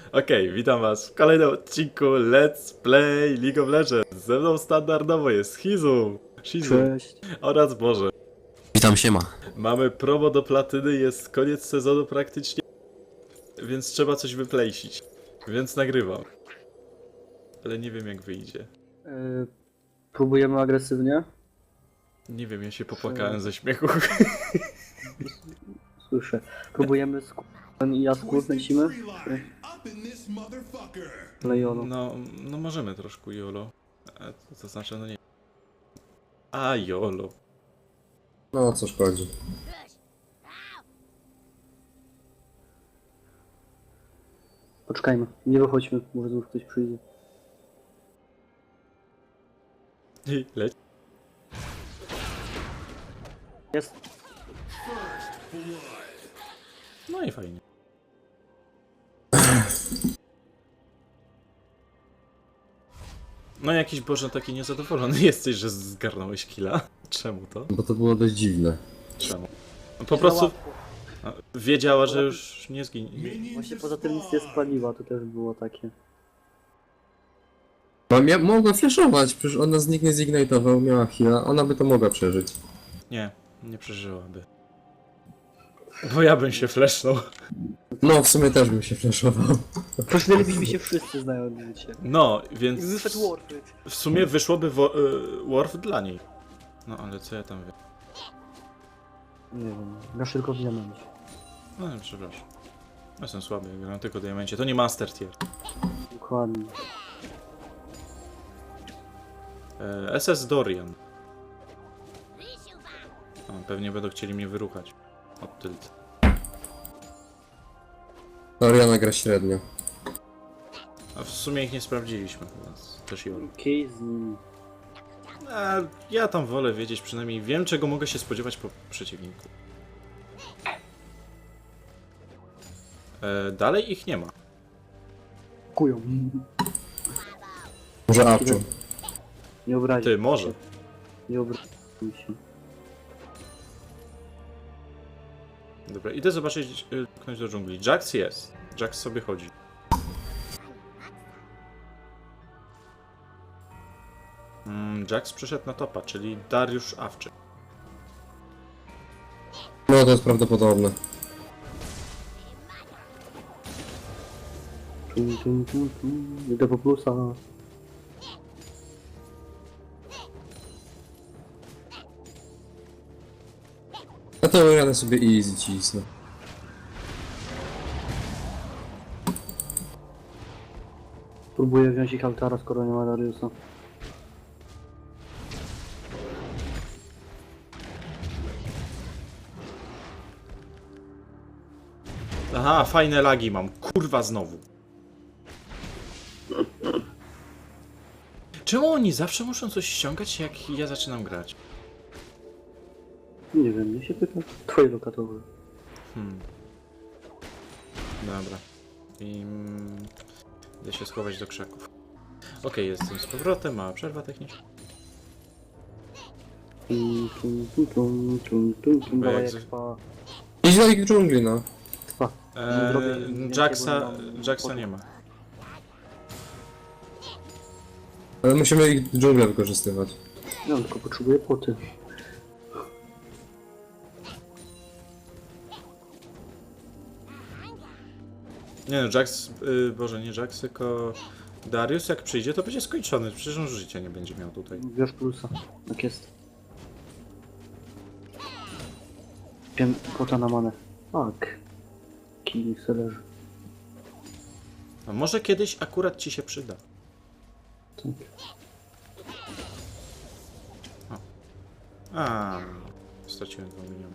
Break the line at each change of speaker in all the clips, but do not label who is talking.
Okej, witam was w kolejnym odcinku Let's Play League of Legends. Ze mną standardowo jest Shizu
Cześć.
oraz Boże.
Witam, siema.
Mamy promo do platyny, jest koniec sezonu praktycznie, więc trzeba coś wyplejsić. Więc nagrywam. Ale nie wiem jak wyjdzie.
Próbujemy agresywnie.
Nie wiem, ja się popłakałem ze śmiechu.
Słyszę. Próbujemy i Jasku lecimy. Lejono.
No możemy troszkę YOLO. To znaczy, no nie. A YOLO.
No, co szkodzi.
Poczekajmy. Nie wychodźmy, może znów ktoś przyjdzie.
I leć.
Jest.
No i fajnie. No jakiś Boże taki niezadowolony jesteś, że zgarnąłeś killa. Czemu to?
Bo to było dość dziwne.
Czemu? No, po prostu wiedziała, że już nie zginie.
Właśnie poza tym nic nie spaliła, to też było takie.
No, mogła flashować, przecież ona nikt nie zignitował, miała heal'a, ona by to mogła przeżyć.
Nie przeżyłaby. Bo ja bym się flashnął.
No, w sumie też bym się flashował.
Pośmielibyśmy się wszyscy znając się.
No, więc
Wyszedł Warframe.
w sumie wyszłoby Worf dla niej. No ale co ja tam wiem?
Nie wiem, grasz tylko w diamencie.
No przepraszam. Ja jestem słaby, ja gram tylko diamencie. To nie Master Tier.
Dokładnie.
SS Dorian. Pewnie będą chcieli mnie wyruchać. Od tylt.
Oriana gra średnio.
A w sumie ich nie sprawdziliśmy, więc też YOLO.
Casey.
Ja tam wolę wiedzieć, przynajmniej wiem, czego mogę się spodziewać po przeciwniku. Dalej ich nie ma.
Kują.
Może Awczu.
Nie obrazi.
Ty, może.
Nie obrazi się.
Dobra, idę zobaczyć, ktoś do dżungli. Jax jest. Jax sobie chodzi. Jax przyszedł na topa, czyli Dariusz Awczy.
No, to jest prawdopodobne.
Idę po plusa.
A to Oriana sobie easy cisnę.
Próbuję wziąć ich altara, skoro nie ma Dariusa.
Aha, fajne lagi mam. Kurwa znowu. Czemu oni zawsze muszą coś ściągać, jak ja zaczynam grać?
Nie wiem, nie się pyta. Twoje lokatowe.
Dobra. I... idę się schować do krzaków. Okej, jestem z powrotem, mała przerwa techniczna. Bo jak
Dawaj
z-
expa.
Idź do ich dżungli, no.
Trwa. Zrobię więcej, bo
Jacksa nie ma.
Ale musimy ich dżunglę wykorzystywać.
Ja tylko potrzebuję poty.
Nie no, Jax... Boże, nie Jax, tylko... Darius jak przyjdzie, to będzie skończony. Przecież on życia nie będzie miał tutaj.
Bierz plusa. Tak jest. Wiem, pota na manę. Tak. Kili se leży.
A może kiedyś akurat ci się przyda.
Tak.
Straciłem 2 miliony.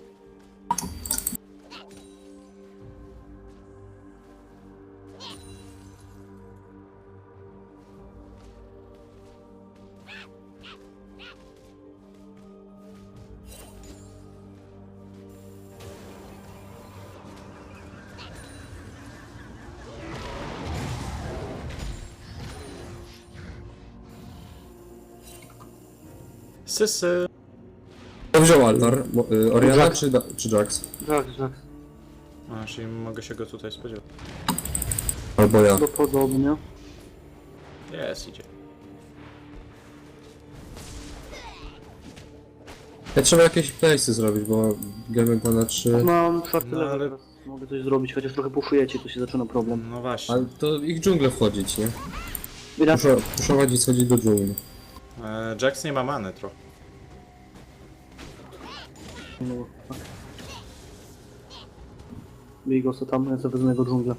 Sysy.
Kto wziął altar? Oriana czy Jax?
Tak.
A, czyli mogę się go tutaj spodziewać.
Albo ja.
Prawdopodobnie.
Jest, idzie.
Ja trzeba jakieś place'y zrobić, bo gramy to na 3.
Mam czwarty
No,
level,
ale-
teraz mogę coś zrobić, chociaż trochę puszujecie, to się zaczyna problem.
No właśnie.
Ale to ich dżunglę wchodzić, nie?
Ile?
Puszować i schodzić do dżungli.
Jax nie ma many trochę.
No, tak. Bij go co tam, ja sobie wezmę jego dżunglę.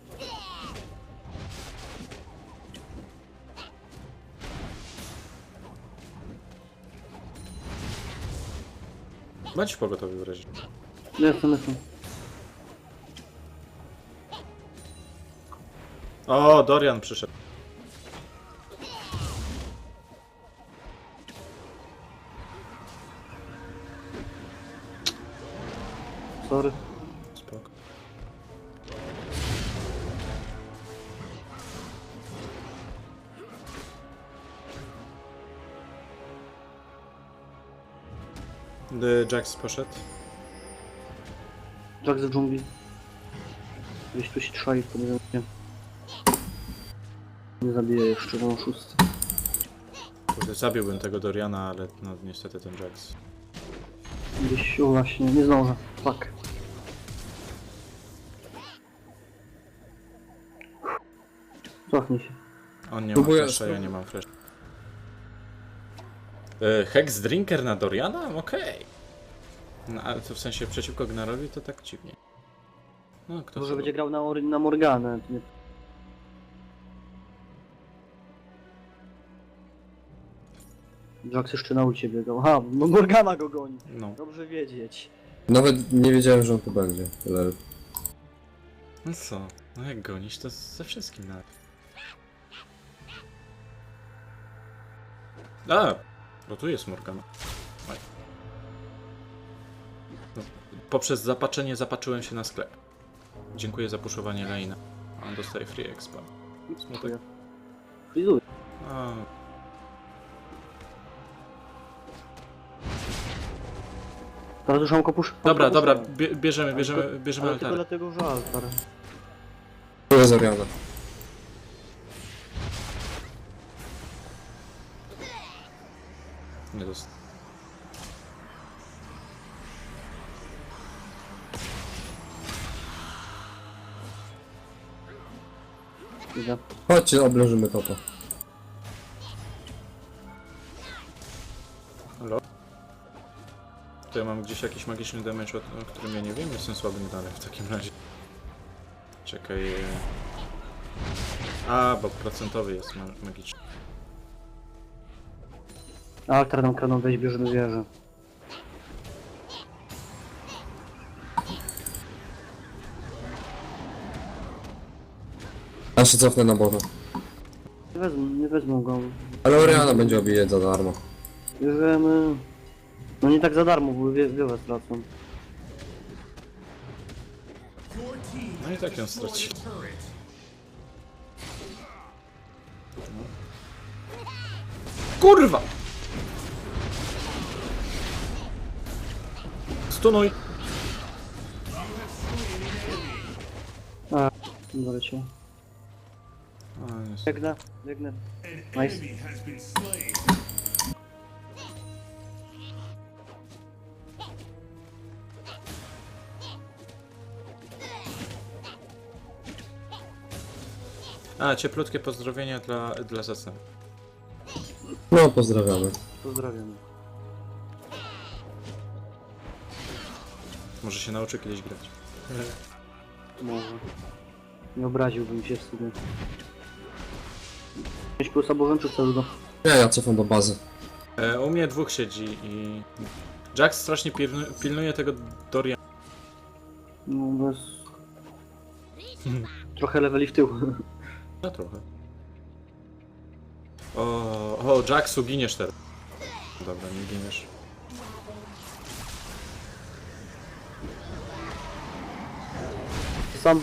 Bądź pogotowy w razie.
Jestem.
O, Dorian przyszedł.
Sorry.
Spoko. Jax poszedł.
Jack z dżungli. Gdzieś tu się trzai, to nie wiem gdzie. Nie zabiję jeszcze, mam szósty.
Kurde, zabiłbym tego Doriana, ale no niestety ten Jax.
Gdzieś, o właśnie, nie zdążę. Fuck. Cofnij się.
On nie ma
Próbuję-
flasha, ja nie mam flash. Hex Drinker na Doriana? Okej. No ale to w sensie przeciwko Gnarowi to tak dziwnie. No kto
Może
to
będzie grał na Morganę. Nie. Jax jeszcze na ulicie biegał. Aha, no Morgana go goni.
No.
Dobrze wiedzieć.
Nawet nie wiedziałem, że on tu będzie. Lel.
No co? No jak gonić to ze wszystkim nawet. A! Bo tu jest Morgana. Oj. No, poprzez zapaczenie zapatrzyłem się na sklep. Dziękuję za puszowanie lane'a. A on dostaje free expa. Smutek.
Frizuję.
A,
Teraz już mam kopusz.
dobra, dobra,
kopuszę.
bierzemy
Ale tylko
altar.
dlatego, że altar.
Tu jest Oriana.
Nie dost...
Idę.
Chodźcie, obleżymy topa.
Halo? To ja mam gdzieś jakiś magiczny damage, o którym ja nie wiem, jestem słabym dalej w takim razie. Czekaj... A, bo procentowy jest magiczny.
Altar nam kraną wejść, bierzemy wieżę.
Ja się cofnę na bota.
Nie wezmą go.
Ale Oriana będzie obijać za darmo.
Bierzemy... No nie tak za darmo, bo wiele stracą.
No i tak ją stracił. Kurwa! Stunuj!
A, doleciał.
A, jest.
Biegnę. Nice.
A, cieplutkie pozdrowienia dla Zacen.
No, pozdrawiamy.
Pozdrawiam.
Może się nauczy kiedyś grać.
Może. Nie obraziłbym się w sumie. 5 plus albo wręcz pseudo.
Ja cofam do bazy.
U mnie dwóch siedzi i... Jax strasznie pilnuje tego Doriana.
No bez... Trochę leveli w tył.
No trochę. O, Jaxu, giniesz teraz. Dobra, nie giniesz.
Sam...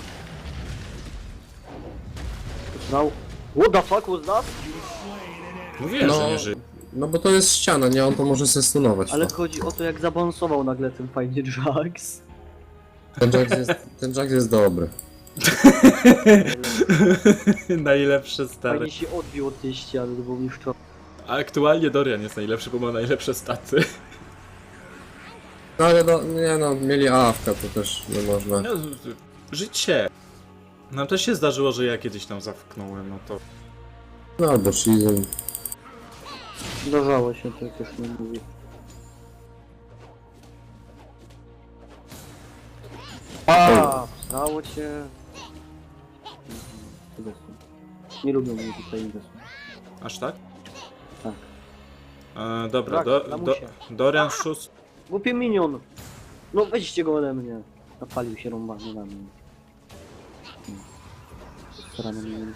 Znał. What the fuck was that?
Mówiłem, że
No,
nie żyje.
no bo to jest ściana, nie? On to może se stunować.
Ale
to.
chodzi o to, jak zabalansował nagle ten fajnie Jax.
Ten Jax jest dobry.
Najlepsze stare.
Fajnie się odbił od tej ściany, bo mi wczoraj.
Aktualnie Dorian jest najlepszy, bo ma najlepsze staty.
No ale no, nie no, mieli AFK, to też nie można.
No, życie. Nam też się zdarzyło, że ja kiedyś tam zawknąłem, no to...
No albo Shizun.
Zdarzało się, tak już nie mówię. A, stało cię. Nie lubią mnie tutaj inwestorów.
Aż tak?
Tak.
Dobra,
Tak, lamusie.
Dorian szósty.
Głupie minion! No weźcie go ode mnie. Napalił się rąbany na mnie. Starany minion.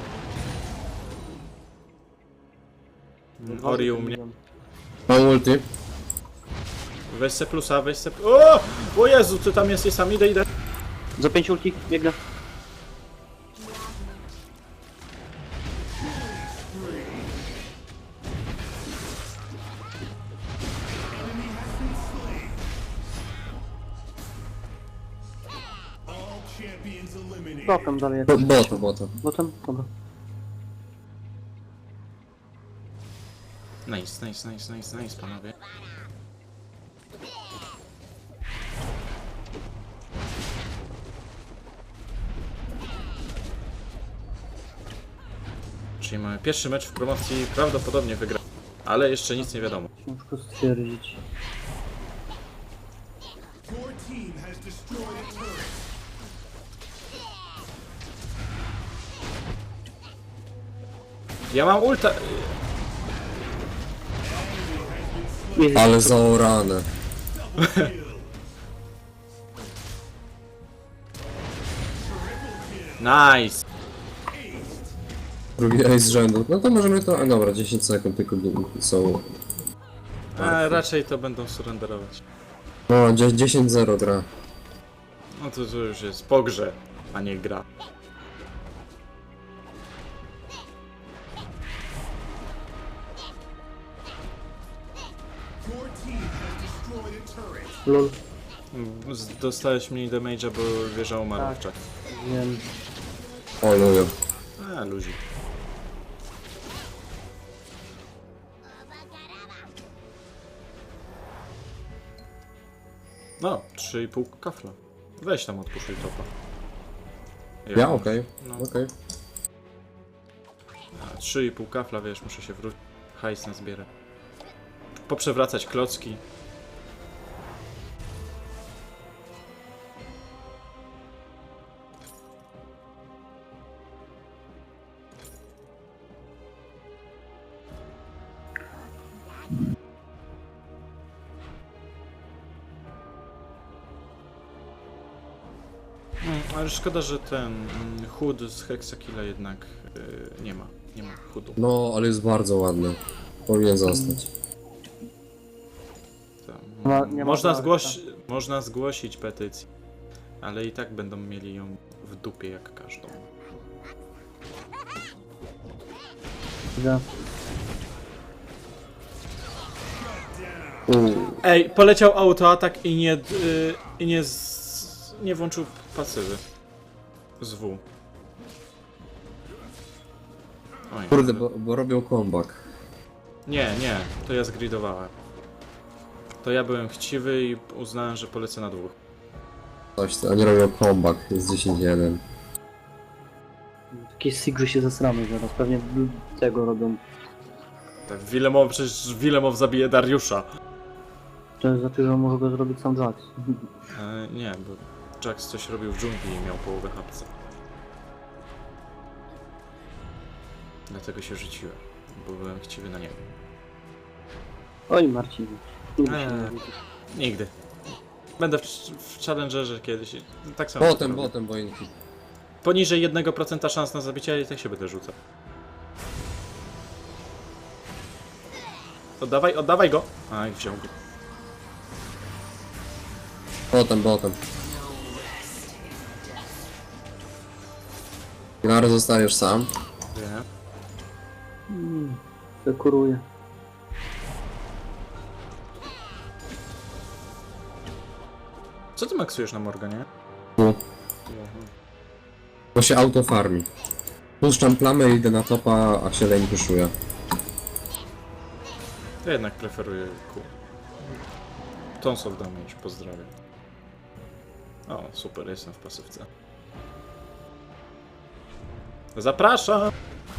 Ori u mnie.
Mam ulti.
Weź se plusa, weź se... O! O Jezu, ty tam jesteś sam, idę.
Za 5 ulti, biegnę. Botem dalej jak
Bota.
Botem? Dobra.
Nice, panowie. Czyli mamy pierwszy mecz w promocji, prawdopodobnie wygra. Ale jeszcze nic nie wiadomo.
Ciężko stwierdzić.
Your team has destroyed a turret.
Ja mam ulta...
Jest.
Ale zaorane.
Nice!
Drugi ace z rzędu. No to możemy to... A dobra, 10 sekund tylko są...
A, raczej to będą surrenderować.
No, 10-0 gra.
No to już jest po grze, a nie gra.
Your team has destroyed a turret.
Lol.
Dostałeś mniej damage'a, bo wieża umarła
Tak.
w czasie.
Wiem.
O, lubię.
A, luzik. No, 3,5 kafla. Weź tam odpuszczuj topa.
Ja? Okej.
No.
Okej.
A, 3,5 kafla, wiesz, muszę się wrócić. Hajs na zbierę. Poprzewracać klocki. Ale szkoda, że ten chód z Hexakilla jednak nie ma. Nie ma chudu.
No, ale jest bardzo ładny. Powinien zostać.
Tam,
Nie ma
można zgłosić petycję, ale i tak będą mieli ją w dupie jak każdą.
Idę.
Ej, poleciał autoatak i nie włączył pasywy. Z W. Oj,
Kurde, bo robią comeback.
Nie, to ja zgridowałem. To ja byłem chciwy i uznałem, że polecę na dwóch.
Coś, oni robią comeback. Jest 10-1.
Takie sigry się zesramy zaraz. Pewnie tego robią.
Tak, przecież Wilemow zabije Dariusza.
To znaczy, że może go zrobić sam Jax.
Nie, bo Jax coś robił w dżungli i miał połowę hapca. Dlatego się rzuciłem, bo byłem chciwy na niego.
Oj Marcin. Nigdy się
Eee.
nie rzucisz.
Nigdy. Będę w Challengerze kiedyś. Tak samo. to robię.
Botem, boinki.
Poniżej 1% szans na zabicie, i tak się będę rzucał. Oddawaj go! Aj, wziął go.
Botem. Gnary zostajesz sam.
Nie.
Dekoruję.
Co ty maksujesz na Morganie?
No. To się autofarmi. Puszczam plamę, idę na topa, a się lane puszuje.
To jednak preferuję Q. Tonsol damage, pozdrawiam. O, super, jestem w pasywce. Zapraszam!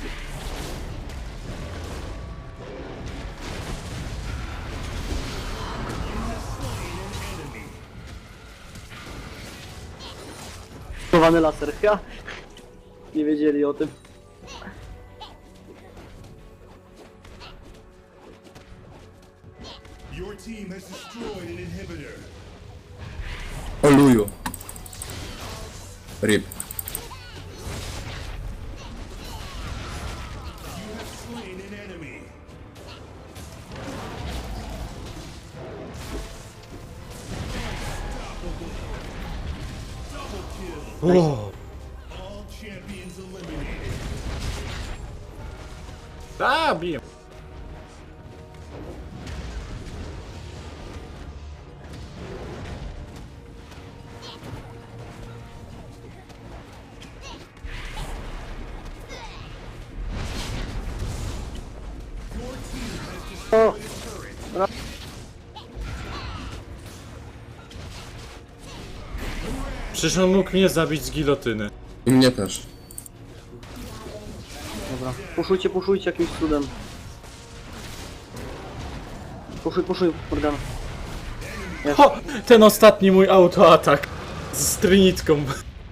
Chowany laser, ja. Nie wiedzieli o tym.
Your team has destroyed an inhibitor.
Oluju. Rip.
You have slain an enemy. Double kill.
O!
All champions eliminated.
Zabiję!
Your team has destroyed a turret.
Przecież on mógł mnie zabić z gilotyny.
I mnie też.
Dobra. Puszujcie jakimś cudem. Puszuj, Morgana.
O! Ten ostatni mój autoatak z trinitką.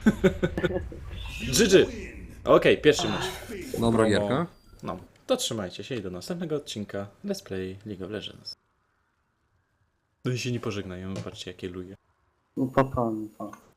GG. Okej, pierwszy mecz.
Dobra
Promo.
gierka.
No, to trzymajcie się i do następnego odcinka Let's Play League of Legends. No i się nie pożegnajemy, patrzcie jakie luje.
No papa, pa.